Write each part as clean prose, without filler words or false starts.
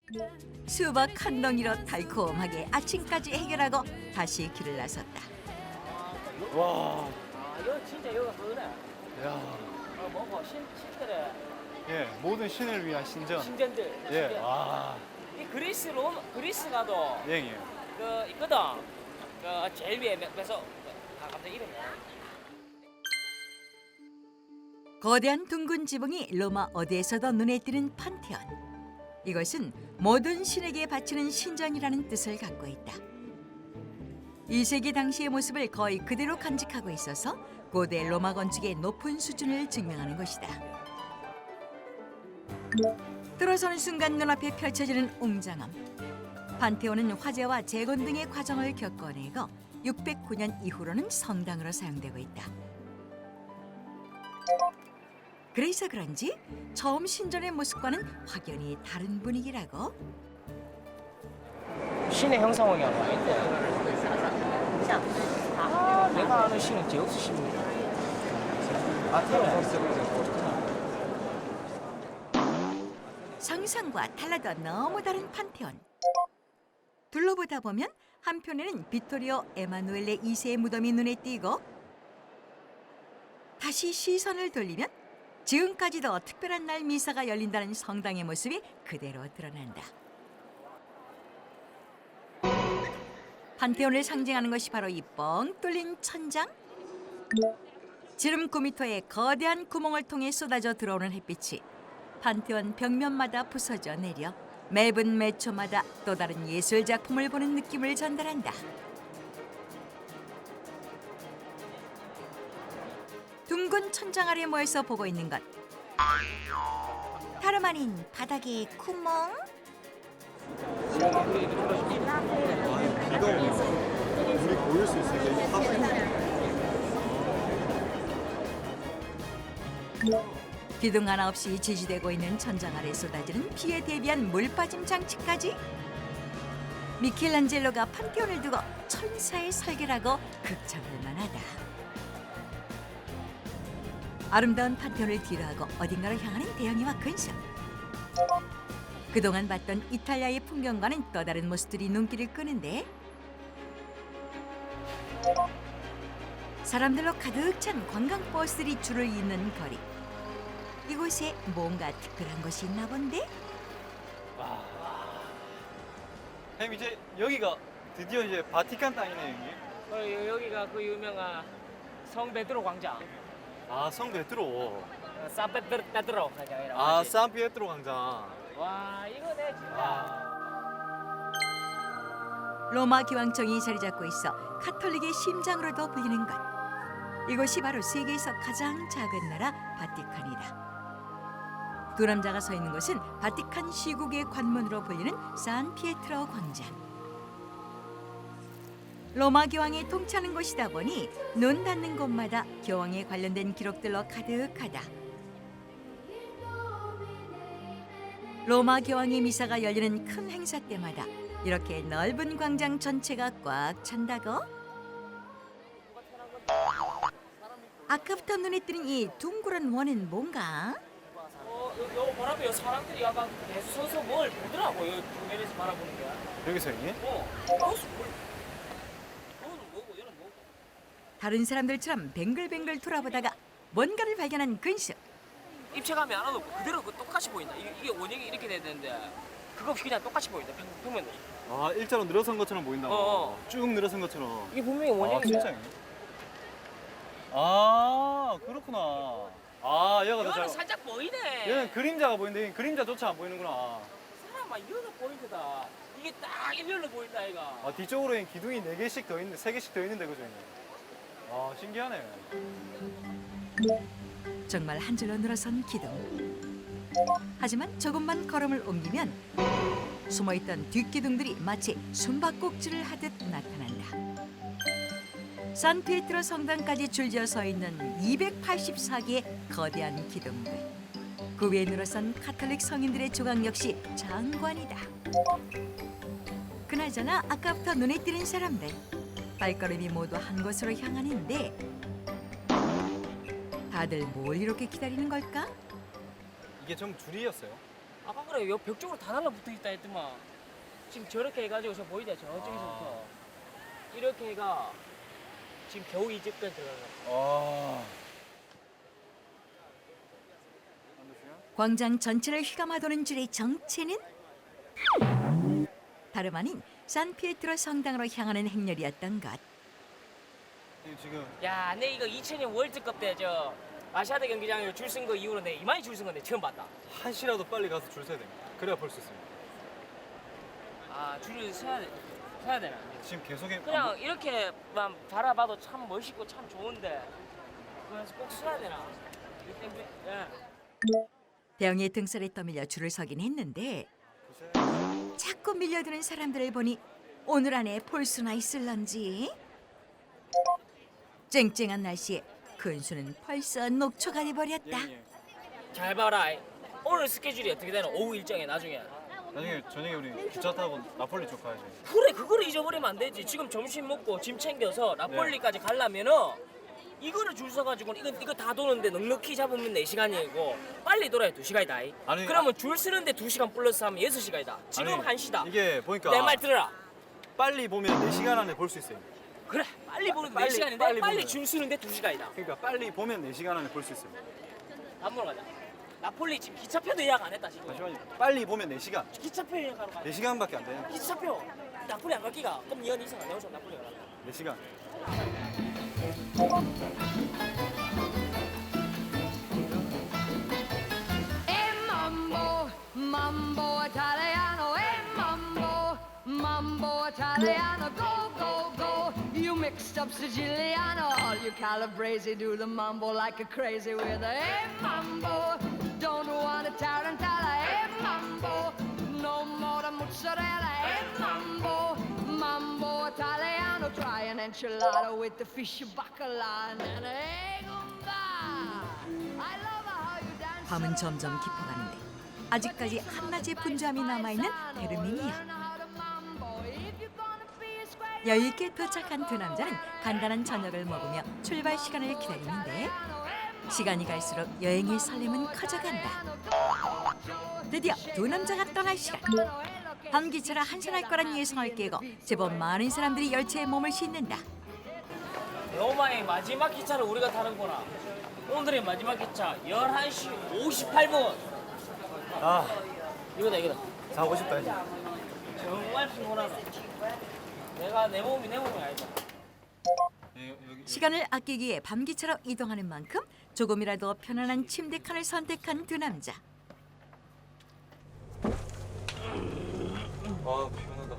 수박 한 덩이로 달콤하게 아침까지 해결하고 다시 길을 나섰다. 와, 이거 진짜 이거 그거네. 야, 뭐고 신들의 예, 모든 신을 위한 신전. 신전들. 예, 신전. 와, 이 그리스 가도 예, 예. 그 있거든. 그 제일 위에 그래서 갑자기 이름이. 거대한 둥근 지붕이 로마 어디에서도 눈에 띄는 판테온. 이것은 모든 신에게 바치는 신전이라는 뜻을 갖고 있다. 2세기 당시의 모습을 거의 그대로 간직하고 있어서 고대 로마 건축의 높은 수준을 증명하는 것이다. 들어서는 순간 눈앞에 펼쳐지는 웅장함. 판테온은 화재와 재건 등의 과정을 겪어내고 609년 이후로는 성당으로 사용되고 있다. 그래서 그런지 처음 신전의 모습과는 확연히 다른 분위기라고. 신의 형상이 아닌데. 내가 아는 신은 제우스 신입니다. 상상과 달라도 너무 다른 판테온. 둘러보다 보면 한편에는 비토리오 에마누엘레 2세의 무덤이 눈에 띄고 다시 시선을 돌리면 지금까지도 특별한 날 미사가 열린다는 성당의 모습이 그대로 드러난다. 판테온을 상징하는 것이 바로 이 뻥 뚫린 천장. 지름 9m의 거대한 구멍을 통해 쏟아져 들어오는 햇빛이 판테온 벽면마다 부서져 내려 매분 매초마다 또 다른 예술 작품을 보는 느낌을 전달한다. 둥근 천장 아래 모여서 보고 있는 것. 다름 아닌 바닥의 구멍. 우리 보일 수 있으니까 이거 기둥 하나 없이 지지되고 있는 천장 아래 쏟아지는 비에 대비한 물빠짐 장치까지. 미켈란젤로가 판테온을 두고 천사의 설계라고 극찬할 만하다. 아름다운 판테온을 뒤로하고 어딘가로 향하는 대영이와 근심. 그동안 봤던 이탈리아의 풍경과는 또 다른 모습들이 눈길을 끄는데 사람들로 가득 찬 관광버스들이 줄을 잇는 거리. 이곳에 뭔가 특별한 것이 있나 본데? 형님 이제 여기가 드디어 이제 바티칸 땅이네요, 형님. 여기가 그 유명한 성 베드로 광장. 아, 성 베드로. 산 베드로 광장이라고. 아, 하지. 산 피에트로 광장. 와 이거네 진짜. 로마 교황청이 자리 잡고 있어 카톨릭의 심장으로도 불리는 것. 이곳이 바로 세계에서 가장 작은 나라 바티칸이다. 두 남자가 서 있는 곳은 바티칸 시국의 관문으로 불리는 산 피에트로 광장. 로마 교황이 통치하는 곳이다 보니 눈 닿는 곳마다 교황에 관련된 기록들로 가득하다. 로마 교황의 미사가 열리는 큰 행사 때마다 이렇게 넓은 광장 전체가 꽉 찬다고? 아까부터 눈에 띄는 이 둥그런 원은 뭔가? 요 바라보요 사람들이 약간 계속 서서 뭘 보더라고 요 정면에서 바라보는 게. 여기서 형님? 거기서 뭘? 너는 뭐고 얘는 뭐고? 다른 사람들처럼 뱅글뱅글 돌아보다가 뭔가를 발견한 근수. 입체감이 하나도 없고 그대로 그 똑같이 보인다. 이게 원형이 이렇게 돼야 되는데 그거 없이 그냥 똑같이 보인다. 평면도. 아, 일자로 늘어선 것처럼 보인다고. 쭉 늘어선 것처럼. 이게 분명히 아, 원형인데. 진짜 형님? 아, 그렇구나. 아, 얘가 더 이거는 잘. 살짝 보이네. 얘는 그림자가 보이는데 얘는 그림자조차 안 보이는구나. 사람아 이거는 포인트다. 이게 딱 일렬로 보인다 이가. 아, 뒤쪽으로는 기둥이 4개씩 더 있는데, 3개씩 더 있는데, 그죠, 형님? 아, 신기하네. 정말 한 줄로 늘어선 기둥. 하지만 조금만 걸음을 옮기면 숨어있던 뒷기둥들이 마치 숨바꼭질을 하듯 나타난다. 산피에트로 성당까지 줄지어 서 있는 284개의 거대한 기둥들. 그 위에 늘어선 카톨릭 성인들의 조각 역시 장관이다. 그나저나 아까부터 눈에 띄는 사람들. 발걸음이 모두 한 곳으로 향하는데 다들 뭘 이렇게 기다리는 걸까? 이게 전부 줄이었어요. 아까 그래 요 벽 쪽으로 다 달라붙어 있다 했더만 지금 저렇게 해가지고 저 보이대 저쪽에서부터 이렇게 해가 지금 겨우 이 집까지 들어가는 아. 광장 전체를 휘감아도는 줄의 정체는 다름 아닌 산피에트로 성당으로 향하는 행렬이었던 것. 지금 야, 내 이거 2000년 월드컵 때 저 아시아드 경기장에 줄 쓴 거 이후로 내 이만히 줄 쓴 건데 처음 봤다. 1시라도 빨리 가서 줄 서야 됩니다. 그래야 볼 수 있습니다. 아, 줄을 서야 되나? 지금 계속 그냥 이렇게만 바라봐도 참 멋있고 참 좋은데 그래서 꼭 서야 되나? 예. 병의 등살에 떠밀려 줄을 서긴 했는데 자꾸 밀려드는 사람들을 보니 오늘 안에 볼 수나 있을런지. 쨍쨍한 날씨에 근수는 벌써 녹초가 돼버렸다. 잘 봐라. 오늘 스케줄이 어떻게 되나? 오후 일정에 나중에. 나중에 저녁에 우리 기차 타고 나폴리 쪽 가야지. 그래 그거를 잊어버리면 안 되지. 지금 점심 먹고 짐 챙겨서 나폴리까지 가려면은 이거를 줄 서가지고 이거 다 도는데 넉넉히 잡으면 4시간이고 빨리 돌아야 2시간이다. 아니, 그러면 줄 서는데 2시간 플러스 하면 6시간이다. 지금 아니, 1시다. 이게 보니까 내 말 들어라. 빨리 보면 4시간 안에 볼 수 있어요. 그래 빨리 보는 빨리, 4시간인데 빨리 빨리 보면. 줄 서는데 2시간이다. 그러니까 빨리 보면 4시간 안에 볼 수 있어요. 밥 먹으러 가자. 나폴리 지금 기차표도 예약 안 했다 지금. 잠시만요. 빨리 보면 4시간. 기차표 예약하러 가자. 4시간밖에 안 돼요. 기차표. 나폴리 안 갈 기가. 그럼 니언 이상 안 나오죠 나폴리 가라. 4시간. Mambo, mambo Italiano, mambo Italiano, go, go, go. You mixed up Siciliano, all you Calabrese do the mambo like a crazy with a mambo. Don't want a tarantella, mambo. No more the mozzarella, mambo. Mambo Italiano, try an enchilada with the fish bacala and an egg umba. I love how you dance. 밤은 점점 깊어가는데 아직까지 한낮의 분주함이 남아있는 베르민이야. 여유있게 도착한 두 남자는 간단한 저녁을 먹으며 출발 시간을 기다리는데 시간이 갈수록 여행의 설렘은 커져간다. 드디어 두 남자가 떠날 시간. 밤기차라 한산할 거란 예상을 깨고 제법 많은 사람들이 열차에 몸을 싣는다. 로마의 마지막 기차를 우리가 타는구나. 오늘의 마지막 기차 11시 58분. 아, 이거다. 자고 싶다 이제. 정말 피곤하다. 내가 내 몸이 아니다. 시간을 아끼기 위해 밤기차로 이동하는 만큼 조금이라도 편안한 침대 칸을 선택한 두 남자. 아, 피곤하다.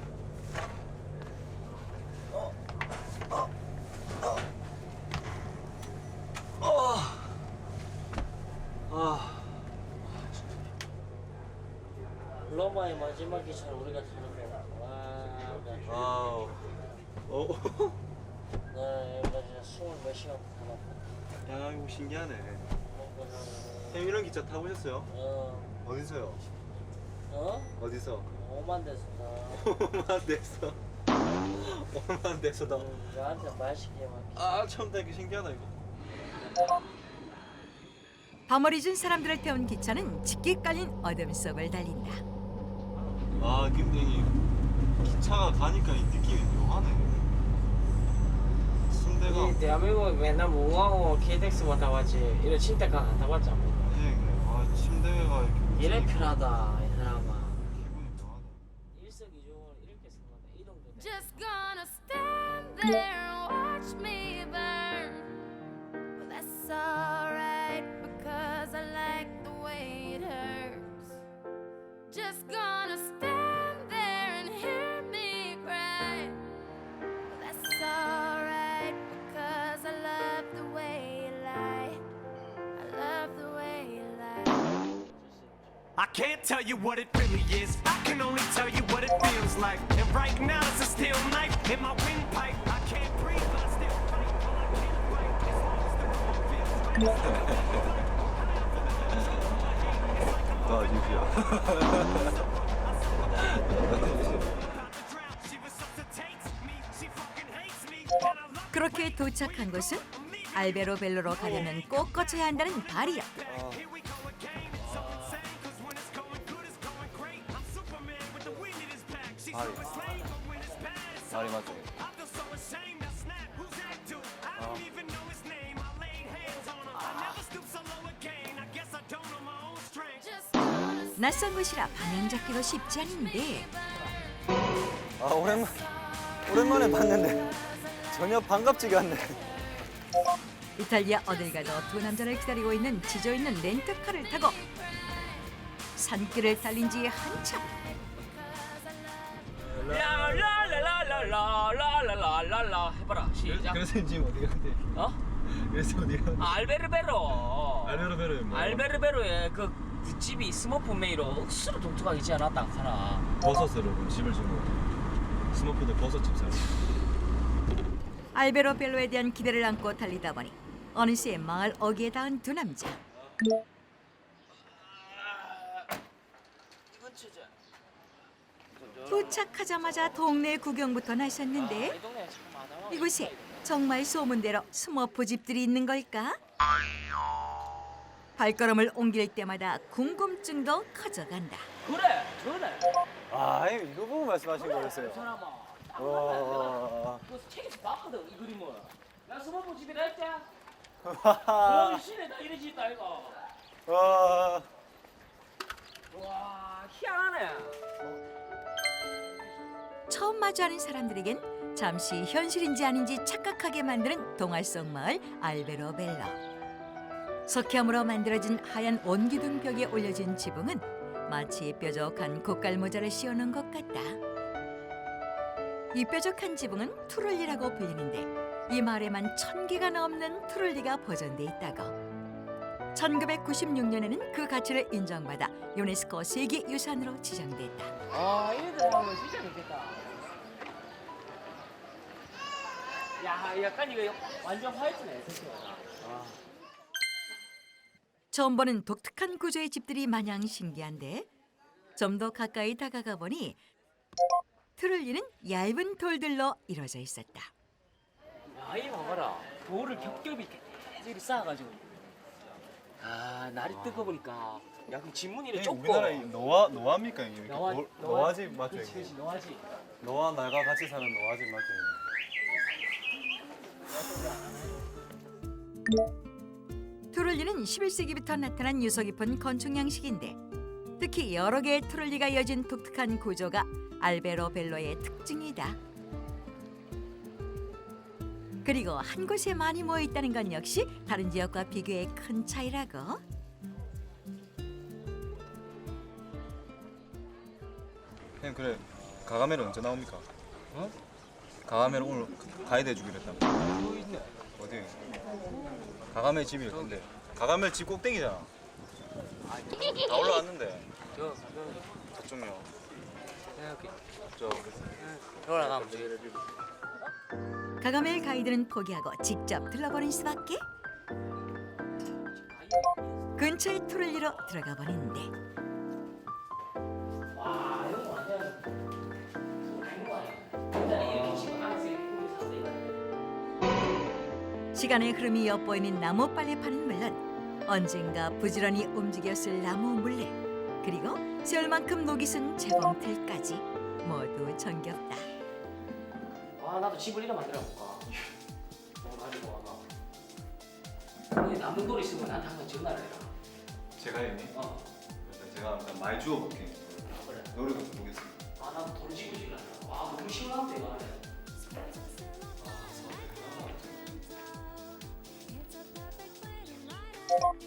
로마의 마지막 기차를 우리가 타는구나. 와, 아우. 나 진짜 20몇 시간 타봤다. 야, 이거 신기하네. 형 이런 기차 타보셨어요? 어디서요? 어디서? 오만 됐어. 오만 데서. 오만 데서다. 나한테 말 시키지 마. 아, 처음 타니까 신기하다 이거. 밤어리준 사람들을 태운 기차는 짙게 깔린 어둠 속을 달린다. 아, 근데 이 기차가 가니까 이 느낌이 묘하네. 순대가. 이 대한민국 맨날 무궁화호 KTX만 타봤지 이런 침대가 안 타봤지 않고. 아, 침대가 이렇게. 이래 편하다 이 사람아. 기분이 묘하다. 일석이조로 이렇게 생각한다. 이동도 돼. Just gonna stand there and watch me burn. Well, that's alright because I like the way it hurts. Just gonna stand there and hear me cry. Well, that's alright because I love the way you lie. I love the way you lie. I can't tell you what it really is. I can only tell you what it feels like. And right now it's a steel knife in my windpipe. I can't breathe, but I still fight. Well, I can't write as long as the wrong feels right. 아, 유비야. She resuscitates me. She fucking hates me. And I love 그렇게 도착한 곳은 알베로 벨로로 가려면 꼭 거쳐야 한다는 바리요. here we go again. So insane, 'cause when it's going good, 발이 발이 맞죠? I feel so ashamed, I snap. Who's that dude? I don't even know his name. I laid hands on him. I never stoop so low again. I guess I don't know my own strength. 낯선 곳이라 방향 잡기도 쉽지 않은데 아 오랜만에 봤는데 전혀 반갑지가 않네. 이탈리아 어딜 가도 두 남자를 기다리고 있는 지저 있는 렌트카를 타고 산길을 달린 지 한참. 라라라라라라라라라 해봐라 시작. 그래서 지금 어디 갔대? 어? 그래서 어디 갔대? 알베르베로. 알베르베르 뭐? 알베르베로의 그 집이 스머프 메이로 억수로 독특하게 지어 놨다 하나. 버섯으로 집을 주고 스머프들 버섯집 사러. 알베로 벨로에 대한 기대를 안고 달리다 보니 어느새 마을 어귀에 닿은 두 남자. 이건 진짜. 도착하자마자 동네 구경부터 나섰는데 이 동네 참 많아. 이곳에 정말 소문대로 스머프 집들이 있는 걸까? 발걸음을 옮길 때마다 궁금증도 커져간다. 그래, 그래. 아 이거 보고 말씀하신 그 거였어요. 사람아. 와. 그 책에서 봤거든 이 그림을. 나 스머프 집이라 했지. 와. 그 시내 다 이래 짓다 이거. 와. 와, 희한하네. 처음 마주하는 사람들에겐 잠시 현실인지 아닌지 착각하게 만드는 동화 속 마을 알베로 벨로. 석회암으로 만들어진 하얀 원기둥 벽에 올려진 지붕은 마치 뾰족한 고깔 모자를 씌워놓은 것 같다. 이 뾰족한 지붕은 투룰리라고 불리는데 이 마을에만 1000개가 넘는 투룰리가 보존돼 있다고. 1996년에는 그 가치를 인정받아 유네스코 세계유산으로 지정됐다. 아, 얘들 하면 진짜 좋겠다. 야, 약간 이거 완전 화이트네, 진짜. 처음 보는 독특한 구조의 집들이 마냥 신기한데 좀 더 가까이 다가가 보니 트룰리는 얇은 돌들로 이루어져 있었다. 야, 이거 봐봐라. 돌을 겹겹이 이렇게 쌓아가지고. 아, 날이 뜨거우니까 약간 지문이 이렇게 좁고. 우리나라에 노아입니까 이게? 노아집 맞죠? 그렇지, 그렇지, 노아집. 노아 말과 같이 사는 노아집 맞죠? 트룰리는 11세기부터 나타난 유서 깊은 건축 양식인데 특히 여러 개의 트룰리가 이어진 독특한 구조가 알베로 벨로의 특징이다. 그리고 한 곳에 많이 모여 있다는 건 역시 다른 지역과 비교해 큰 차이라고. 형 그래 가가멜은 언제 나옵니까? 어? 가가멜 오늘 가이드 해주기로 했다고. 어디? 가가멜 집일 건데 가가멜 집 꼭대기잖아. 다 올라왔는데. 저쪽요. 여기. 저 올라가면 되겠다. 가가멜 가이드는 포기하고 직접 들러보는 수밖에. 근처의 트룰리로 들어가 버리는데 와, 이거 완전 이거 아니야. 옛날에 이렇게 집 안에서 이렇게 꾸미고 살았다 이거. 시간의 흐름이 엿보이는 나무 빨래판은 물론 언젠가 부지런히 움직였을 나무 물레 그리고 세월만큼 녹이 쓴 재봉틀까지 모두 정겹다. 아, 나도 집을 이래 만들어 볼까. 가지고 와봐. 여기 남는 돌 있으면 나한테 한번 전화를 해라. 제가 형님. 어. 일단 제가 일단 많이 주워볼게. 그래. 노래도 좀 보겠습니다. 아, 나도 돌 집고 싶다. 와, 너무 시원한데 이거 안에.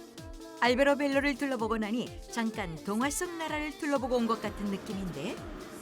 알베로 벨로를 둘러보고 나니 잠깐 동화 속 나라를 둘러보고 온 것 같은 느낌인데